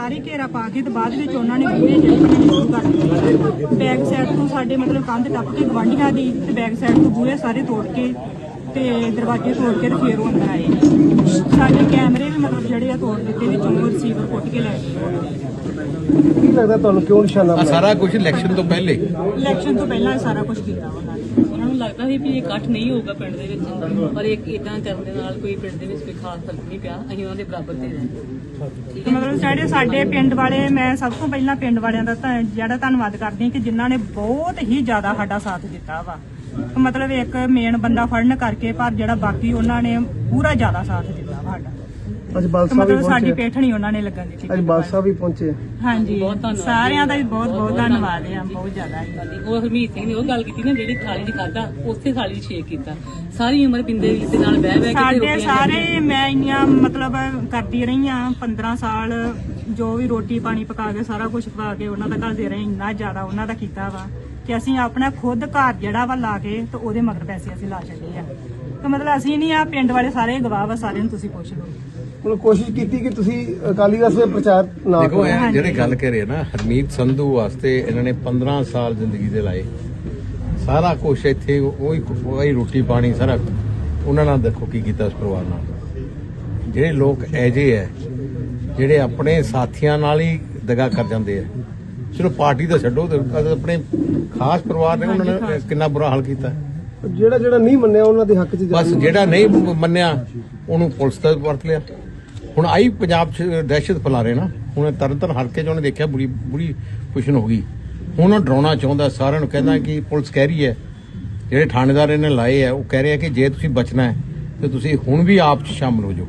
सारी घेरा पा के तो बाद में उन्होंने बूहे चढ़ने शुरू कर दिए। बैक साइड तो साडे मतलब कंध टप के गवांढियां दी ते बैक साइड तो बूहे सारे तोड़ के ते दरवाजे तोड़ के फिर वो अंदर आए। साडे कैमरे भी मतलब जड़े आ तोड़ दिते, विचों रिसीवर पुट के लै गए। ਕੀ ਲੱਗਦਾ ਤੁਹਾਨੂੰ ਕਿਉਂ ਨਿਸ਼ਾਨਾ ਬਣਾਇਆ? ਸਾਰਾ ਕੁਝ ਇਲੈਕਸ਼ਨ ਤੋਂ ਪਹਿਲੇ सारा कुछ किया उन्होंने। ਉਹਨਾਂ ਨੂੰ ਲੱਗਦਾ ਸੀ ਵੀ ਇਹ ਇਕੱਠ ਨਹੀਂ ਹੋਊਗਾ ਪਿੰਡ ਦੇ ਵਿੱਚ, ਪਰ ਇੱਕ ਇਦਾਂ ਕਰਨ ਦੇ ਨਾਲ ਕੋਈ ਪਿੰਡ ਦੇ ਵਿੱਚ ਕੋਈ ਖਾਸ ਫਰਕ ਨਹੀਂ ਪਿਆ। ਅਸੀਂ ਉਹਨਾਂ ਦੇ ਬਰਾਬਰ ਤੇ ਰਹੇ। ਮਤਲਬ ਸਾਡੇ ਪਿੰਡ ਵਾਲੇ, ਮੈਂ ਸਭ ਤੋਂ ਪਹਿਲਾਂ ਪਿੰਡ ਵਾਲਿਆਂ ਦਾ ਜਿਹੜਾ ਧੰਨਵਾਦ ਕਰਦੀ ਹਾਂ ਕਿ ਜਿਨ੍ਹਾਂ ਨੇ ਬਹੁਤ ਹੀ ਜ਼ਿਆਦਾ ਸਾਡਾ ਸਾਥ ਦਿੱਤਾ ਵਾ। ਮਤਲਬ ਇੱਕ ਮੇਨ ਬੰਦਾ ਫੜਨ ਕਰਕੇ, ਪਰ ਜਿਹੜਾ ਬਾਕੀ ਉਹਨਾਂ ਨੇ ਪੂਰਾ ਜ਼ਿਆਦਾ ਸਾਥ ਦਿੱਤਾ ਵਾ ਸਾਡਾ। ਅੱਜ ਬਾਲਸਾ ਵੀ ਮਤਲਬ ਸਾਡੀ ਪਹੁੰਚੇ, ਪੇਠਣੀ ਉਹਨਾਂ ਨੇ ਲੱਗਣ ਦਿੱਤੀ। ਅੱਜ ਬਾਲਸਾ ਵੀ ਪਹੁੰਚੇ। ਹਾਂਜੀ, ਸਾਰਿਆਂ ਦਾ ਵੀ ਬਹੁਤ ਬਹੁਤ ਧੰਨਵਾਦ ਹੈ, ਬਹੁਤ ਜ਼ਿਆਦਾ ਜੀ। ਉਹ ਹਰਮੀਤ ਸਿੰਘ ਨੇ ਉਹ ਗੱਲ ਕੀਤੀ ਨਾ, ਜਿਹੜੀ ਥਾਲੀ 'ਚ ਖਾਧਾ ਉਸੇ ਥਾਲੀ 'ਚ ਛੇਕ ਕੀਤਾ। ਸਾਰੀ ਉਮਰ ਬਿੰਦੇ ਦੇ ਨਾਲ ਬਹਿ ਬਹਿ ਕੇ ਸਾਡੇ ਸਾਰੇ, ਮੈਂ ਇੰਨੀਆਂ ਮਤਲਬ ਕਰਦੀ ਰਹੀ ਹਾਂ 15 ਸਾਲ, ਜੋ ਵੀ ਰੋਟੀ ਪਾਣੀ ਪਕਾ ਕੇ ਸਾਰਾ ਕੁਝ ਪਕਾ ਕੇ ਉਹਨਾਂ ਦਾ ਘੱਲਦੇ ਰਹੇ। ਇੰਨਾ ਜ਼ਿਆਦਾ ਉਹਨਾਂ ਦਾ ਕੀਤਾ ਵਾ ਕਿ ਅਸੀਂ ਆਪਣਾ ਖੁਦ ਘਰ ਜਿਹੜਾ ਵਾ ਲਾ ਕੇ ਤੇ ਉਹਦੇ ਮਗਰ ਪੈਸੇ ਅਸੀਂ ਲਾ ਛੱਡੇ ਆ। ਤੇ ਮਤਲਬ ਅਸੀਂ ਨਹੀਂ, ਆ ਪਿੰਡ ਵਾਲੇ ਸਾਰੇ ਗਵਾਹ ਵਾ, ਸਾਰਿਆਂ ਨੂੰ ਤੁਸੀਂ ਪੁੱਛ ਲਓ। ਹੁਣ ਕੋਸ਼ਿਸ਼ ਕੀਤੀ ਕਿ ਤੁਸੀਂ ਅਕਾਲੀ ਦਲ ਦੇ ਪ੍ਰਚਾਰ ਨਾ ਦੇਖੋ ਕਰੋ। ਇਹ ਜਿਹੜੇ ਗੱਲ ਕਰ ਰਹੇ ਨਾ, ਹਰਮੀਤ ਸੰਧੂ ਵਾਸਤੇ ਇਹਨਾਂ ਨੇ 15 ਸਾਲ ਜ਼ਿੰਦਗੀ ਦੇ ਲਾਏ। ਸਾਰਾ ਕੁਝ ਇੱਥੇ ਉਹੀ ਰੋਟੀ ਪਾਣੀ ਸਾਰਾ ਉਹਨਾਂ ਨਾਲ ਦੇਖੋ ਕੀ ਕੀਤਾ ਉਸ ਪਰਿਵਾਰ ਨਾਲ। ਜਿਹੜੇ ਲੋਕ ਐਜੇ ਹੈ ਜਿਹੜੇ ਆਪਣੇ ਸਾਥੀਆਂ ਨਾਲ ਹੀ ਦਗਾ ਕਰ ਜਾਂਦੇ ਆ। ਚਲੋ ਪਾਰਟੀ ਤਾਂ ਛੱਡੋ, ਤੇ ਆਪਣੇ ਖਾਸ ਪਰਿਵਾਰ ਨੇ ਉਹਨਾਂ ਨੇ ਕਿੰਨਾ ਬੁਰਾ ਹਾਲ ਕੀਤਾ। ਜਿਹੜਾ ਨਹੀਂ ਮੰਨਿਆ ਉਹਨਾਂ ਦੇ ਹੱਕ 'ਚ ਬਸ ਜਿਹੜਾ ਨਹੀਂ ਮੰਨਿਆ ਉਹਨੂੰ ਪੁਲਿਸ ਦਾ ਵਰਤ ਲਿਆ। ਹੁਣ ਆਈ ਪੰਜਾਬ 'ਚ ਦਹਿਸ਼ਤ ਫੈਲਾ ਰਹੇ ਨਾ। ਹੁਣ ਤਰਨਤਾਰਨ ਹਲਕੇ 'ਚ ਉਹਨੇ ਦੇਖਿਆ ਬੁਰੀ ਪੁਸ਼ਨ ਹੋ ਗਈ। ਹੁਣ ਉਹ ਡਰਾਉਣਾ ਚਾਹੁੰਦਾ ਸਾਰਿਆਂ ਨੂੰ, ਕਹਿੰਦਾ ਕਿ ਪੁਲਿਸ ਕਹਿ ਰਹੀ ਹੈ, ਜਿਹੜੇ ਥਾਣੇਦਾਰ ਇਹਨੇ ਲਾਏ ਆ ਉਹ ਕਹਿ ਰਹੇ ਆ ਕਿ ਜੇ ਤੁਸੀਂ ਬਚਣਾ ਹੈ ਤੇ ਤੁਸੀਂ ਹੁਣ ਵੀ ਆਪ 'ਚ ਸ਼ਾਮਲ ਹੋ ਜਾਓ।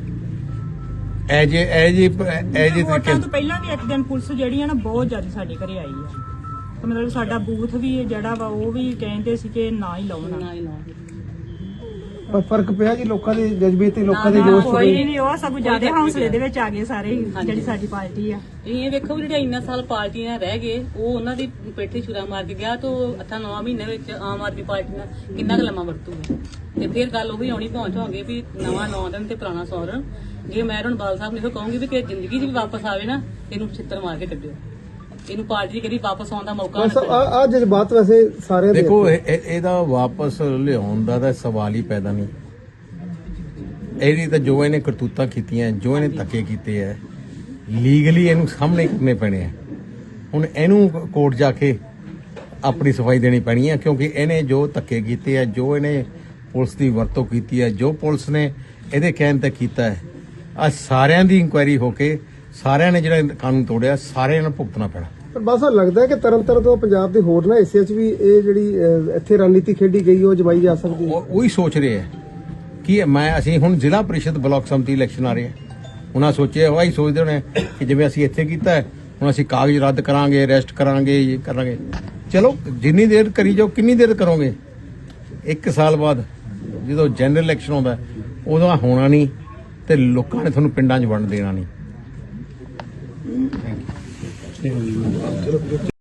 ਤਰੀਕੇ ਵੋਟਾਂ ਤੋਂ ਪਹਿਲਾਂ ਵੀ ਇੱਕ ਦਿਨ ਪੁਲਿਸ ਜਿਹੜੀ ਆ ਨਾ ਬਹੁਤ ਜ਼ਿਆਦਾ ਸਾਡੇ ਘਰੇ ਆਈ ਆ। ਤੇ ਮਤਲਬ ਸਾਡਾ ਬੂਥ ਵੀ ਜਿਹੜਾ ਵਾ ਉਹ ਵੀ ਕਹਿੰਦੇ ਸੀ ਕਿ ਨਾ ਹੀ ਲਾਉਣਾ। ਨਾ ਹੀ ਲਾਉਣ। ਪਰ ਫਰਕ ਪਿਆ ਜੀ ਲੋਕਾਂ ਦੇ ਜਜ਼ਬੇ ਤੇ, ਲੋਕਾਂ ਦੇ ਜੋਸ਼ ਕੋਈ ਤੇ। ਨਹੀਂ, ਉਹ ਸਭ ਜ਼ਿਆਦਾ ਹੌਸਲੇ ਦੇ ਵਿੱਚ ਆ ਗਏ ਸਾਰੇ ਹੀ, ਜਿਹੜੀ ਸਾਡੀ ਪਾਰਟੀ ਆ। ਇਹ ਵੇਖੋ ਜਿਹੜੇ ਇੰਨਾ ਸਾਲ ਪਾਰਟੀਆਂ ਰਹਿ ਗਏ, ਉਹ ਉਹਨਾਂ ਦੀ ਪੇਠੇ ਛੁਰਾ ਮਾਰ ਕੇ ਗਿਆ ਤਾਂ 8-9 ਮਹੀਨੇ ਵਿੱਚ ਆਮ ਆਦਮੀ ਪਾਰਟੀ ਨਾਲ ਕਿੰਨਾ ਕੁ ਲੰਮਾ ਵਰਤੂਗਾ। ਤੇ ਫਿਰ ਗੱਲ ਉਹੀ ਆਉਣੀ ਪਹੁੰਚਾਂਗੇ ਵੀ ਨਵਾਂ 9 ਦਿਨ ਤੇ ਪੁਰਾਣਾ 100 ਦਿਨ। ਜੇ ਮੈਂ ਹੁਣ ਬਾਲ ਸਾਹਿਬ ਨੂੰ ਇਹੋ ਕਹੂੰਗੀ ਵੀ ਕਿ ਜ਼ਿੰਦਗੀ 'ਚ ਵੀ ਵਾਪਸ ਆਵੇ ਨਾ, ਇਹਨੂੰ ਛਿੱਤਰ ਮਾਰ ਕੇ ਕੱਢਿਓ। ਇਹਨੂੰ ਪਾਰਟੀ ਕਦੀ ਵਾਪਸ ਆਉਣ ਦਾ ਮੌਕਾ ਨਾ ਮਿਲੇ। ਆ ਜਜ਼ਬਾਤ ਵੈਸੇ ਸਾਰੇ ਦੇ ਦੇਖੋ ਇਹਦਾ ਵਾਪਸ ਲਿਆਉਣ ਦਾ ਤਾਂ ਸਵਾਲ ਹੀ ਪੈਦਾ ਨਹੀਂ। ਇਹਦੀ ਤਾਂ ਜੋ ਇਹਨੇ ਕਰਤੂਤਾਂ ਕੀਤੀਆਂ, ਜੋ ਇਹਨੇ ਧੱਕੇ ਕੀਤੇ ਹੈ, ਲੀਗਲੀ ਇਹਨੂੰ ਸਾਹਮਣੇ ਕਰਨੇ ਪੈਣੇ ਆ। ਹੁਣ ਇਹਨੂੰ ਕੋਰਟ ਜਾ ਕੇ ਆਪਣੀ ਸਫਾਈ ਦੇਣੀ ਪੈਣੀ ਹੈ, ਕਿਉਂਕਿ ਇਹਨੇ ਜੋ ਧੱਕੇ ਕੀਤੇ ਆ, ਜੋ ਇਹਨੇ ਪੁਲਿਸ ਦੀ ਵਰਤੋਂ ਕੀਤੀ ਹੈ, ਜੋ ਪੁਲਿਸ ਨੇ ਇਹਦੇ ਕਹਿਣ ਤੇ ਕੀਤਾ ਹੈ, ਆ ਸਾਰਿਆਂ ਦੀ ਇਨਕੁਆਇਰੀ ਹੋ ਕੇ ਸਾਰਿਆਂ ਨੇ ਜਿਹੜਾ ਕਾਨੂੰਨ ਤੋੜਿਆ ਸਾਰਿਆਂ ਨੂੰ ਭੁਗਤਣਾ ਪੈਣਾ। ਪਰ ਬਸ ਲੱਗਦਾ ਹੈ ਕਿ ਤਰਨਤਾਰਨ ਤੋਂ ਪੰਜਾਬ ਦੇ ਹੋਰ ਨਾ ਹਿੱਸਿਆਂ 'ਚ ਵੀ ਇਹ ਜਿਹੜੀ ਇੱਥੇ ਰਣਨੀਤੀ ਖੇਡੀ ਗਈ ਉਹ ਜਮਾਈ ਜਾ ਸਕਦੀ ਹੈ। ਉਹੀ ਸੋਚ ਰਹੇ ਹੈ ਕਿ ਅਸੀਂ ਹੁਣ ਜ਼ਿਲ੍ਹਾ ਪ੍ਰੀਸ਼ਦ ਬਲਾਕ ਸੰਮਤੀ ਇਲੈਕਸ਼ਨ ਆ ਰਹੇ ਆ। ਉਹਨਾਂ ਸੋਚਿਆ ਹੋਇਆ ਹੀ ਸੋਚਦੇ ਹੋਣੇ ਕਿ ਜਿਵੇਂ ਅਸੀਂ ਇੱਥੇ ਕੀਤਾ ਹੈ, ਹੁਣ ਅਸੀਂ ਕਾਗਜ਼ ਰੱਦ ਕਰਾਂਗੇ, ਅਰੈਸਟ ਕਰਾਂਗੇ, ਇਹ ਕਰਾਂਗੇ। ਚਲੋ ਜਿੰਨੀ ਦੇਰ ਕਰੀ ਜਾਓ, ਕਿੰਨੀ ਦੇਰ ਕਰੋਗੇ? 1 ਸਾਲ ਬਾਅਦ ਜਦੋਂ ਜਨਰਲ ਇਲੈਕਸ਼ਨ ਆਉਂਦਾ ਉਦੋਂ ਹੋਣਾ ਨਹੀਂ, ਤੇ ਲੋਕਾਂ ਨੇ ਤੁਹਾਨੂੰ ਪਿੰਡਾਂ 'ਚ ਵੰਡ ਦੇਣਾ ਨਹੀਂ।